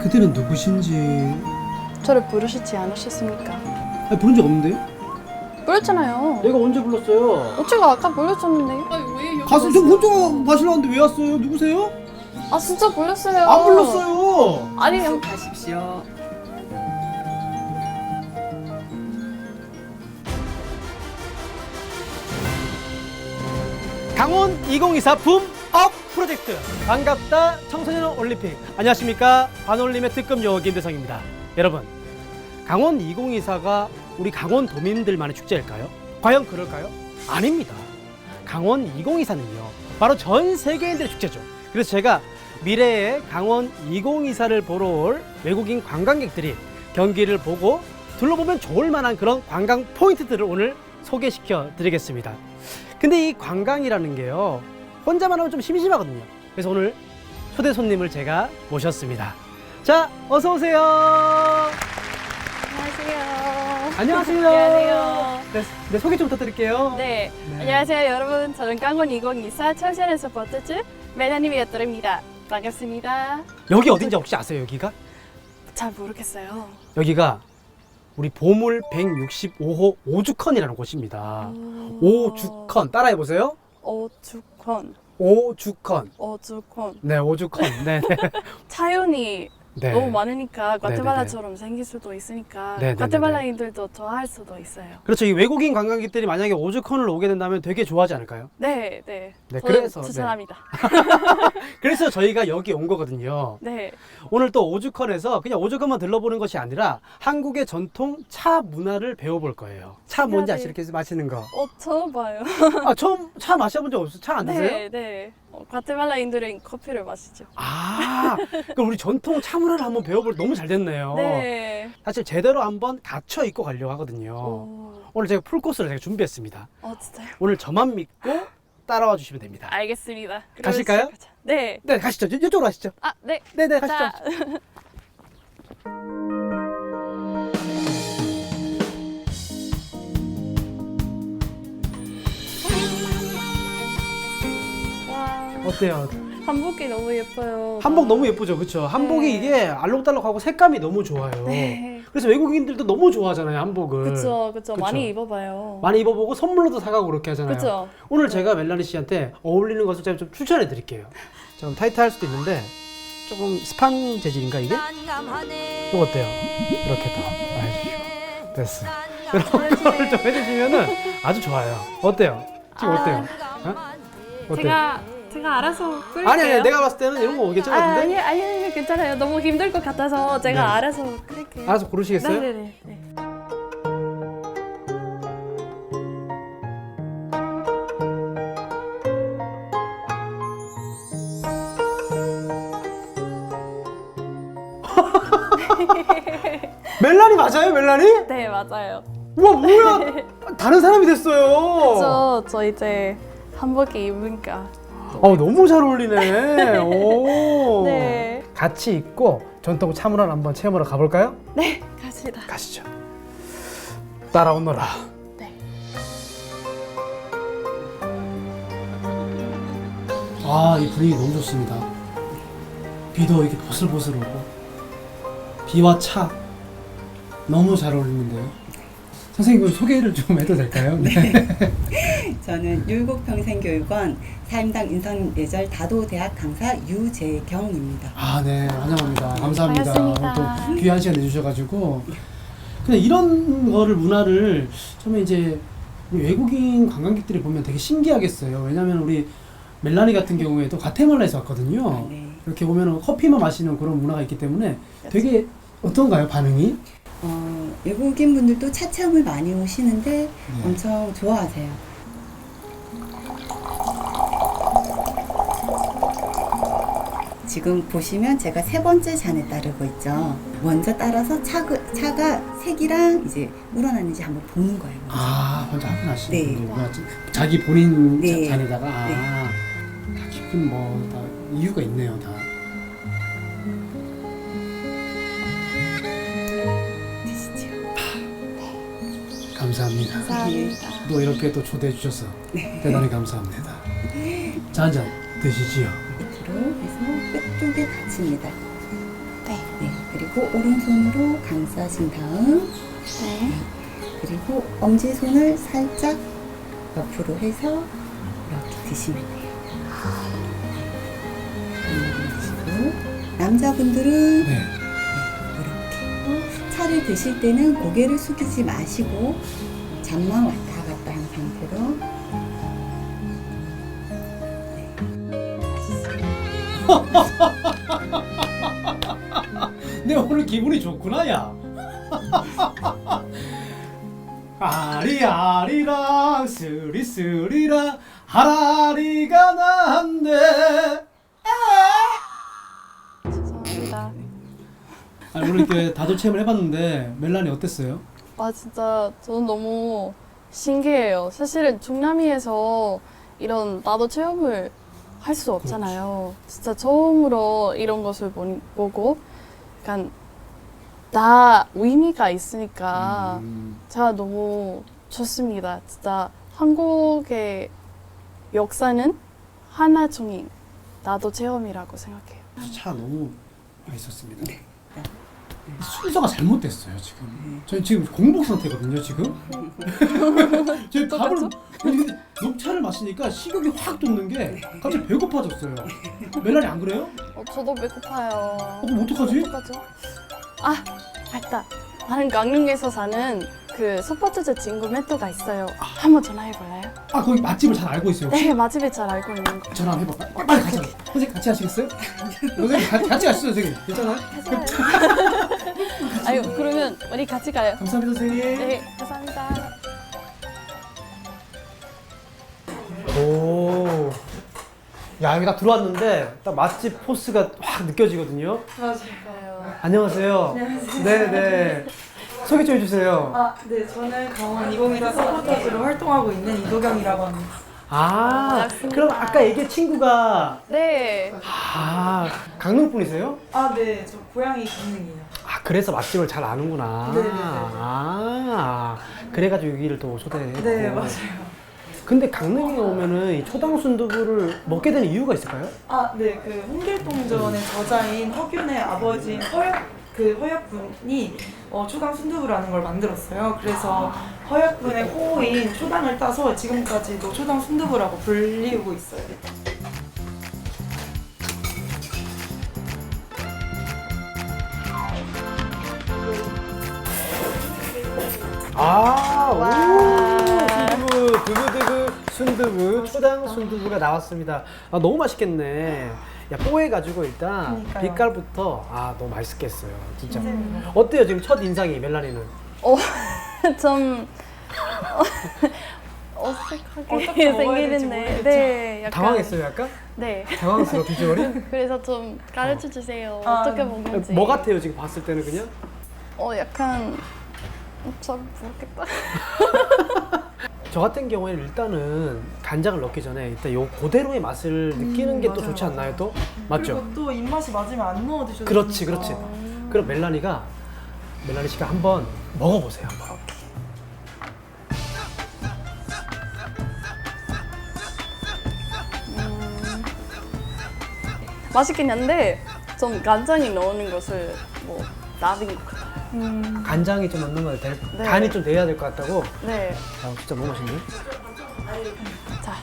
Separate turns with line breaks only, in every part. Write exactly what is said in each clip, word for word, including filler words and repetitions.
그들은 누구신지.
저를 부르시지 않으셨습니까?
아니, 부른 적 없는데요?
불렀잖아요.
내가 언제 불렀어요?
어째가 아까 불렀었는데요?
가수 저 혼자 마시려는데 왜 왔어요? 누구세요?
아 진짜 불렀어요.
안 불렀어요.
아니
가십시오.
강원 이천이십사 붐업 프로젝트 반갑다 청소년 올림픽. 안녕하십니까, 반올림의 특급 여우 김대성입니다. 여러분, 강원 이천이십사가 우리 강원도민들만의 축제일까요? 과연 그럴까요? 아닙니다. 강원 이천이십사는요 바로 전 세계인들의 축제죠. 그래서 제가 미래의 강원 이천이십사를 보러 올 외국인 관광객들이 경기를 보고 둘러보면 좋을 만한 그런 관광 포인트들을 오늘 소개시켜 드리겠습니다. 근데 이 관광이라는 게요 혼자만 하면 좀 심심하거든요. 그래서 오늘 초대 손님을 제가 모셨습니다. 자, 어서 오세요.
안녕하세요.
안녕하세요.
안녕하세요.
네, 네, 소개 좀 부탁드릴게요.
네.
네.
안녕하세요 여러분. 저는 강원 이천이십사 청소년 서포터즈 멜라님이었더랍니다. 반갑습니다.
여기 어딘지 혹시 아세요? 여기가?
잘 모르겠어요.
여기가 우리 보물 백육십오 호 오죽헌이라는 곳입니다. 오죽헌 따라해 보세요.
오죽헌.
오죽헌.
오죽헌.
네, 오죽헌. 네, 네.
차연이
네.
너무 많으니까
네네네.
과테말라처럼 생길 수도 있으니까
네네네네.
과테말라인들도 좋아할 수도 있어요.
그렇죠. 이 외국인 관광객들이 만약에 오죽헌을 오게 된다면 되게 좋아하지 않을까요?
네, 네.
네,
저는
그래서,
추천합니다.
그래서 저희가 여기 온 거거든요.
네.
오늘 또 오죽헌에서 그냥 오죽헌만 들러보는 것이 아니라 한국의 전통 차 문화를 배워볼 거예요. 차 뭔지 아시죠? 이렇게 마시는 거.
어, 처음 봐요.
아, 처음 차 마셔본 적 없어요? 차 안 드세요?
네, 네. 어, 과테말라인들은 커피를 마시죠.
아, 그럼 우리 전통 차 문화를 한번 배워볼 너무 잘 됐네요.
네.
사실 제대로 한번 갖춰 입고 가려고 하거든요.
오,
오늘 제가 풀코스를 제가 준비했습니다.
어, 진짜요?
오늘 저만 믿고 따라와 주시면 됩니다.
알겠습니다. 그러면
가실까요?
시작하자. 네.
네, 가시죠. 이- 이쪽으로 가시죠.
아, 네.
네네,
자,
가시죠.
와,
어때요?
한복이 너무 예뻐요.
한복 너무 예쁘죠, 그렇죠? 한복이
네.
이게 알록달록하고 색감이 너무 좋아요.
네.
그래서 외국인들도 너무 좋아하잖아요, 한복을.
그쵸, 그쵸.
그쵸.
많이 입어봐요.
많이 입어보고 선물로도 사가고 그렇게 하잖아요.
그쵸.
오늘 제가 멜라니 씨한테 어울리는 것을 제가 좀 추천해 드릴게요. 좀 타이트할 수도 있는데 조금 스판 재질인가 이게? 이거 어때요? 이렇게 더 해주시고 됐어. 이런 걸 좀 해주시면은 아주 좋아요. 어때요? 지금
아,
어때요? 어? 어때요?
제가, 제가 알아서 끌게요.
아니 아니 내가 봤을 때는 이런 거
아,
괜찮은데?
아니, 아니, 아니, 괜찮아요. 너무 힘들 것 같아서 제가
네.
알아서 끌게요.
알아서 고르시겠어요?
네네네. 네.
멜라니 맞아요, 멜라니?
네, 맞아요.
우와 뭐야? 다른 사람이 됐어요.
저, 저 이제 한복이 입으니까.
어 너무 잘 어울리네. 오.
네.
같이 입고 전통 차문화를 한번 체험하러 가볼까요?
네, 갑시다.
가시죠. 따라오너라.
네.
아, 이 분위기 너무 좋습니다. 비도 이렇게 보슬보슬 오고 비와 차 너무 잘 어울리는데요. 선생님 소개를 좀 해도 될까요? 네.
저는 율곡평생교육원 사임당 인성예절 다도대학 강사 유재경입니다.
아, 네, 환영합니다. 감사합니다.
반갑습니다.
오늘 또 귀한 시간 내주셔가지고. 근데 이런 거를 문화를 처음에 이제 우리 외국인 관광객들이 보면 되게 신기하겠어요. 왜냐하면 우리 멜라니 같은 경우에도 과테말라에서 왔거든요.
아, 네.
이렇게 보면 커피만 마시는 그런 문화가 있기 때문에 되게 어떤가요, 반응이?
어, 외국인 분들도 차 체험을 많이 오시는데
네.
엄청 좋아하세요. 지금 보시면 제가 세 번째 잔에 따르고 있죠. 먼저 따라서 차가, 차가 색이랑 이제 우러나는지 한번 보는 거예요. 먼저.
아, 먼저 확인하시는
네.
분이구나. 자기 본인
네.
자, 잔에다가 아,
네.
다 깊은 뭐 다 이유가 있네요, 다.
드시죠.
감사합니다.
감사합니다.
또 이렇게 또 초대해 주셔서 대단히 감사합니다. 자, 한 잔 드시지요.
밑으로 해서 끝쪽에 닫힙니다.
네.
네. 그리고 오른손으로 감싸신 다음
네.
그리고 엄지손을 살짝 옆으로 해서 이렇게 드시면 돼요. 음, 드시고 남자분들은
네.
이렇게 차를 드실 때는 고개를 숙이지 마시고 잠만 왔다 갔다 한 상태로
내 오늘 기분이 좋구나, 야. 아리아리랑 스리스리랑 하라리가 난데.
죄송합니다.
아, 오늘 이렇게 다도 체험을 해봤는데 멜란이 어땠어요?
아 진짜 저는 너무 신기해요. 사실은 중남미에서 이런 나도 체험을 할 수 없잖아요. 진짜 처음으로 이런 것을 보, 보고 약간 다 의미가 있으니까
음,
제가 너무 좋습니다. 진짜 한국의 역사는 하나중인 나도 체험이라고 생각해요.
차 너무 맛있었습니다. 순서가 잘못됐어요 지금. 저희 지금 공복 상태거든요 지금. 저희 밥을 아니, 근데 녹차를 마시니까 식욕이 확 돋는 게 갑자기 배고파졌어요. 멜란이 안 그래요?
어, 저도 배고파요.
어, 그럼 어떡하지?
어떡하죠? 아, 맞다. 나는 강릉에서 사는 그 스포츠제 친구 멘토가 있어요. 한번 전화해볼래요?
아 거기 맛집을 잘 알고 있어요. 혹시?
네, 맛집을 잘 알고 있는 거.
전화 한번 해봐. 빨리, 빨리 가자. 선생님 같이 하시겠어요? 선생님 같이, 같이 가시죠 선생님. 괜찮아요?
아유, 그러면 우리 같이 가요.
감사합니다 선생님.
네, 감사합니다.
오. 야, 여기 딱 들어왔는데 딱 맛집 포스가 확 느껴지거든요.
맞아요.
안녕하세요.
안녕하세요.
네, 네. 소개 좀 해주세요.
아, 네, 저는 강원 이공이사 서포터즈로 활동하고 있는 이도경이라고 합니다.
아,
반갑습니다.
그럼 아까 얘기한 친구가
네.
아, 강릉 분이세요?
아, 네, 저 고향이 강릉이에요.
아, 그래서 맛집을 잘 아는구나.
네네네.
아, 그래가지고 여기를 또 초대했고.
네, 맞아요.
근데 강릉에 오면은 이 초당 순두부를 먹게 되는 이유가 있을까요?
아, 네, 그 홍길동전의 저자인 허균의 아버지인 허약, 그 허약분이 어, 초당 순두부라는 걸 만들었어요. 그래서 허약분의 호인 초당을 따서 지금까지도 초당 순두부라고 불리우고 있어요.
아,
와.
오, 순두부, 두부두부, 순두부, 초당 순두부가 나왔습니다. 아, 너무 맛있겠네. 야, 뽀해가지고 일단
그러니까요.
빛깔부터 아, 너무 맛있겠어요. 진짜.
선생님.
어때요, 지금 첫 인상이 멜라니는?
어, 좀 어색하게
어떻게 먹어야 될지
생기는데,
모르겠죠.
네, 약간
당황했어요, 약간?
네.
당황스러워, 비주얼이?
그래서 좀 가르쳐 주세요.
아,
어떻게
네.
먹는지.
뭐 같아요, 지금 봤을 때는 그냥?
어, 약간 어, 잘 모르겠다.
저 같은 경우에는 일단은 간장을 넣기 전에 일단 요 그대로의 맛을 느끼는 게 또
맞아요,
좋지 않나요, 또?
그리고
맞죠?
또 입맛이 맞으면 안 넣어 드셔도
그렇지,
되니까.
그렇지. 그럼 멜라니가 멜라니 씨가 한번 먹어보세요, 한번.
음, 맛있긴 한데 좀 간장이 넣는 것을 뭐 나빈 것 같아요.
음,
간장이 좀 넣는 거 될,
네.
간이 좀 돼야 될 것 같다고.
네.
아, 진짜 너무 맛있네.
자.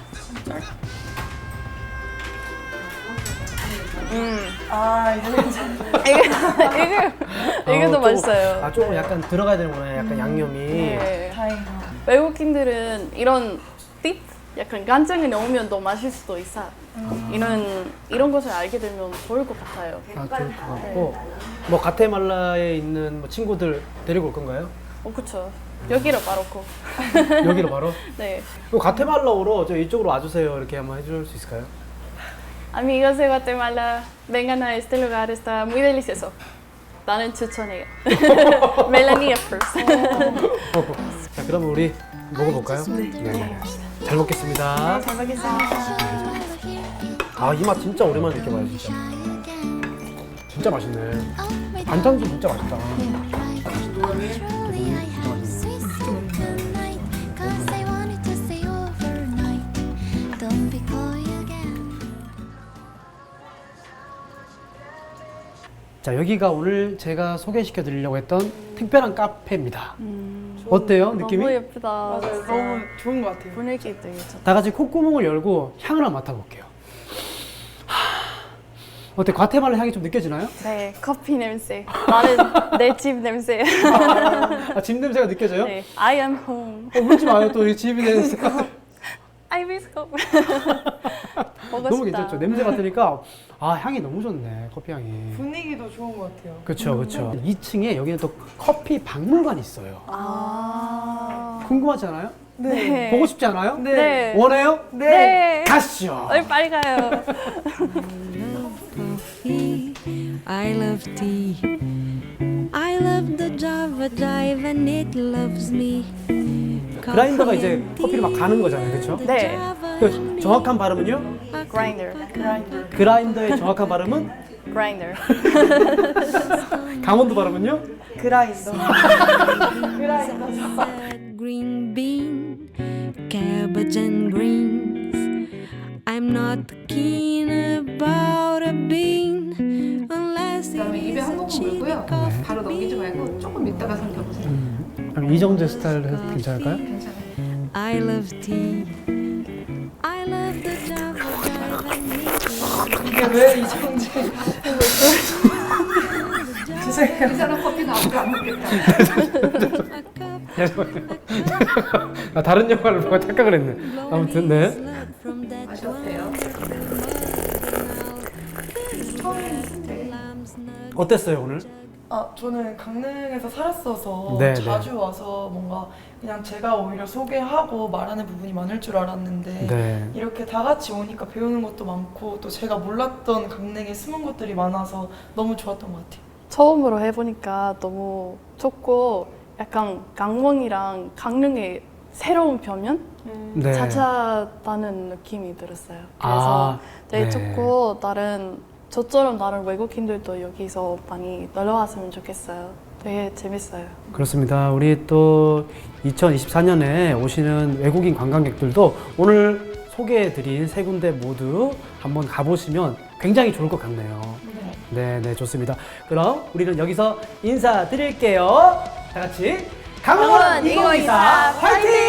음.
아, 이거 괜찮아요.
이게 이게 이게
어,
더
조금-
맛있어요.
아, 조금 약간 들어가야 되는구나, 약간 양념이.
네.
다행이다.
외국인들은 이런 팁 약간 간장을 넣으면 더 맛있을 수도 있어. 이런 이런 것을 알게 되면 좋을 것 같아요.
아, 좋을 것 같고. 뭐 가테말라에 있는 뭐 친구들 데리고 올 건가요?
어, 그쵸. 여기로 바로 고.
여기로 바로?
네.
그럼 가테말라오로 저 이쪽으로 와주세요. 이렇게 한번 해줄 수 있을까요?
Amigos de Guatemala, vengan a este lugar, está muy delicioso. 나는 추천해요. 멜라니아 first.
자, 그러면 우리 먹어볼까요? 네. 잘 먹겠습니다.
잘 먹겠습니다.
아, 이 맛 진짜 오랜만에 느껴봐요, 진짜. 진짜 맛있네. 반찬도 진짜 맛있다. 자, 여기가 오늘 제가 소개시켜 드리려고 했던 특별한 카페입니다.
음,
어때요, 느낌이?
너무 예쁘다.
맞아요. 너무 좋은 것 같아요.
분위기 되게 좋다.
다 같이 콧구멍을 열고 향을 한번 맡아볼게요. 어때? 과테말라 향이 좀 느껴지나요?
네, 커피 냄새. 나는 내 집 냄새.
아, 집 냄새가 느껴져요?
네, I am home.
어, 울지 마요. 또 이 집이 냄새.
I miss home. 보고
너무
싶다.
괜찮죠? 냄새 맡으니까 아, 향이 너무 좋네. 커피 향이.
분위기도 좋은 것 같아요.
그렇죠, 그렇죠. 이 층에 여기는 또 커피 박물관이 있어요.
아.
궁금하지 않아요?
네.
보고 싶지 않아요?
네.
원해요?
네.
가시죠.
어이, 빨리 가요.
coffee. I love tea. I love the Java Jive and it loves me.
그라인더가 이제 커피를 막 가는 거잖아요, 그렇죠?
네.
그 정확한 발음은요?
Grinder.
그라인더의 정확한 발음은?
Grinder.
강원도 발음은요?
그라인더.
Green bean, cabbage and greens. I'm not keen about a bean unless it
그다음에 입에
is
한
a
모금
chili
물고요.
coffee
바로 넘기지 말고
bean.
조금 있다가 삼켜보세요.
음, 그럼 이정재 스타일 해도 괜찮을까요?
괜찮아요.
I love tea. I love the Java Jive and it loves me.
이게 왜 이정재?
이 사람 커피는 아무도 안 먹겠다.
A cup
아, 다른 영화를 보고 착각을 했네. 아무튼 네.
from that
맛이 어때요?
어땠어요 오늘?
아, 저는 강릉에서 살았어서
네,
자주
네.
와서 뭔가 그냥 제가 오히려 소개하고 말하는 부분이 많을 줄 알았는데
네.
이렇게 다 같이 오니까 배우는 것도 많고 또 제가 몰랐던 강릉의 숨은 것들이 많아서 너무 좋았던 것 같아요.
처음으로 해보니까 너무 좋고 약간 강원이랑 강릉의 새로운 표면
네.
찾아다는 느낌이 들었어요. 그래서
아,
되게
네.
좋고 다른 저처럼 다른 외국인들도 여기서 많이 놀러 왔으면 좋겠어요. 되게 재밌어요.
그렇습니다. 우리 또 이천이십사 년에 오시는 외국인 관광객들도 오늘 소개해드린 세 군데 모두 한번 가보시면 굉장히 좋을 것 같네요. 네, 네, 좋습니다. 그럼 우리는 여기서 인사드릴게요. 다 같이 강원
강원
이공이사
이공이사
화이팅!